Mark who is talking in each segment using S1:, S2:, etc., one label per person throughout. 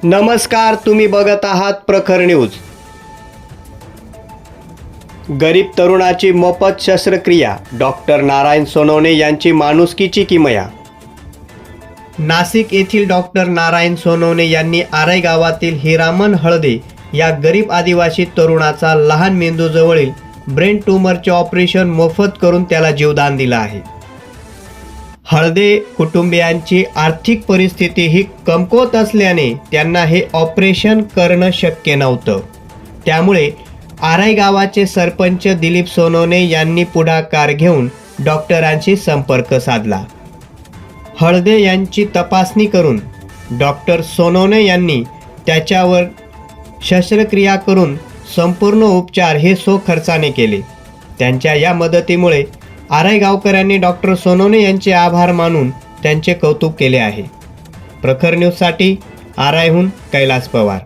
S1: नमस्कार, तुम्ही बघत आहात प्रखर न्यूज। गरीब तरुणाची मोफत शस्त्रक्रिया, डॉक्टर नारायण सोनवणे यांची माणुसकीची किमया। नाशिक येथील डॉक्टर नारायण सोनवणे यांनी आराई गावातील हिरामन हळदे या गरीब आदिवासी तरुणाचा लहान मेंदूजवळील ब्रेन ट्यूमरचे ऑपरेशन मोफत करून त्याला जीवदान दिलं आहे। हळदे कुटुंबियांची आर्थिक परिस्थिती ही कमकुवत असल्याने त्यांना हे ऑपरेशन करणं शक्य नव्हतं। त्यामुळे आराई गावाचे सरपंच दिलीप सोनवणे यांनी पुढाकार घेऊन डॉक्टरांशी संपर्क साधला। हळदे यांची तपासणी करून डॉक्टर सोनवणे यांनी त्याच्यावर शस्त्रक्रिया करून संपूर्ण उपचार हे खर्चाने केले। त्यांच्या या मदतीमुळे आराई गावकऱ्यांनी डॉक्टर सोनवणे यांचे आभार मानून त्यांचे कौतुक केले आहे। प्रखर न्यूजसाठी आराईहून कैलास पवार।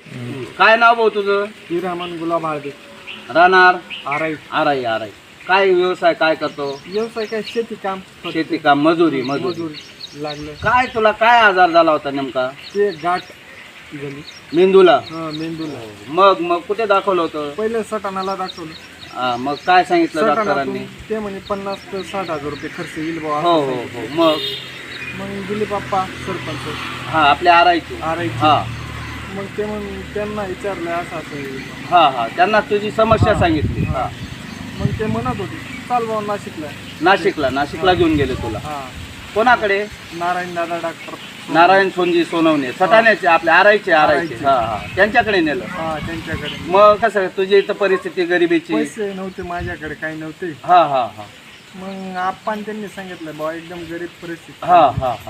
S2: काय नाव भाऊ तुझं?
S3: हिरामन गुलाब हळदे,
S2: राहणार
S3: आराई।
S2: आराई आराई। काय व्यवसाय काय करतो?
S3: व्यवसाय काय शेती काम,
S2: शेती काम, मजुरी मजुरी।
S3: मजूर लागलं।
S2: काय तुला काय आजार झाला होता नेमका?
S3: ते गाठ झाली
S2: मेंदूला?
S3: मेंदूला।
S2: मग मग कुठे दाखवलं होतं?
S3: पहिले सटाणाला दाखवलं।
S2: मग काय सांगितलं डॉक्टरांनी?
S3: सटाणातून ते म्हणे 50 ते 60,000 रुपये खर्च येईल
S2: हो
S3: बाबा।
S2: हो हो। मग
S3: मग दिलीप बाप्पा सरपंच
S2: हा आपल्या आराईची?
S3: आराई।
S2: हा
S3: मग ते मग त्यांना विचारलं असं असं आहे।
S2: हा हा त्यांना तुझी समस्या सांगितली? हा
S3: मग ते म्हणत होते चाल बाबा नाशिकला।
S2: नाशिकला घेऊन गेले तुला?
S3: हा
S2: कोणाकडे?
S3: नारायण दादा डॉक्टर
S2: नारायण सोनजी सोनवणे, सटाण्याचे आपल्या आराईचे? हा हा त्यांच्याकडे नेलं?
S3: हा त्यांच्याकडे।
S2: मग कसं तुझी इथं परिस्थिती गरिबीची?
S3: पैसे नव्हते माझ्याकडे, काही नव्हते।
S2: हा हा हा
S3: मग आपण त्यांनी सांगितलं बाबा एकदम गरीब परिस्थिती।
S2: हा हा हा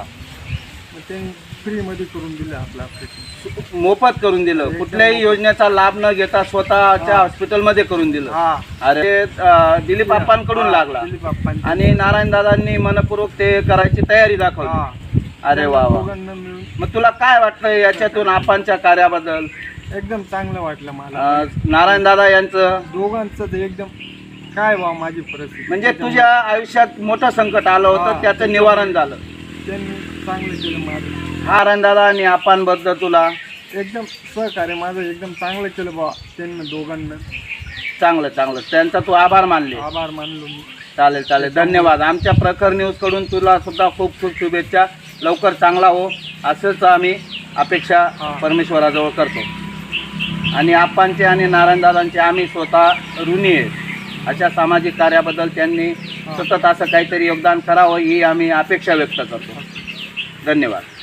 S3: मग त्यांनी फ्रीमध्ये करून दिलं आपलं ऑपरेशन।
S2: मोफत करून दिलं? कुठल्याही योजनेचा लाभ न घेता स्वतःच्या हॉस्पिटलमध्ये करून दिलं?
S3: हा।
S2: अरे दिलीप बाप्पांकडून लागला
S3: दिलीप बाप्पांनी।
S2: आणि नारायण दादांनी मनपूर्वक ते करायची तयारी दाखवली?
S3: हा।
S2: अरे वा वा।
S3: दोघांना मिळून
S2: मग तुला काय वाटतं याच्यातून आपांच्या कार्याबद्दल?
S3: एकदम चांगलं वाटलं मला।
S2: नारायण दादा यांचं
S3: दोघांचं तर एकदम काय बा माझी परिस्थिती
S2: म्हणजे तुझ्या आयुष्यात मोठं संकट आलं होतं,
S3: हा.
S2: त्याचं निवारण झालं?
S3: त्यांनी चांगलं केलं माझं।
S2: नारायण दादा आणि आपांबद्दल तुला?
S3: एकदम सहकार्य माझं एकदम चांगलं केलं बा त्यांनी दोघांना।
S2: चांगलं त्यांचा तू आभार मानले?
S3: आभार मानलो मी।
S2: चालेल धन्यवाद। आमच्या प्रखर न्यूजकडून तुला सुद्धा खूप खूप शुभेच्छा। लवकर चांगला हो असंच आम्ही अपेक्षा परमेश्वराजवळ करतो। आणि आप्पांचे आणि नारायणदादांचे आम्ही स्वतः ऋणी आहे। अशा सामाजिक कार्याबद्दल त्यांनी सतत असं काहीतरी योगदान करावं ही आम्ही अपेक्षा व्यक्त करतो। धन्यवाद।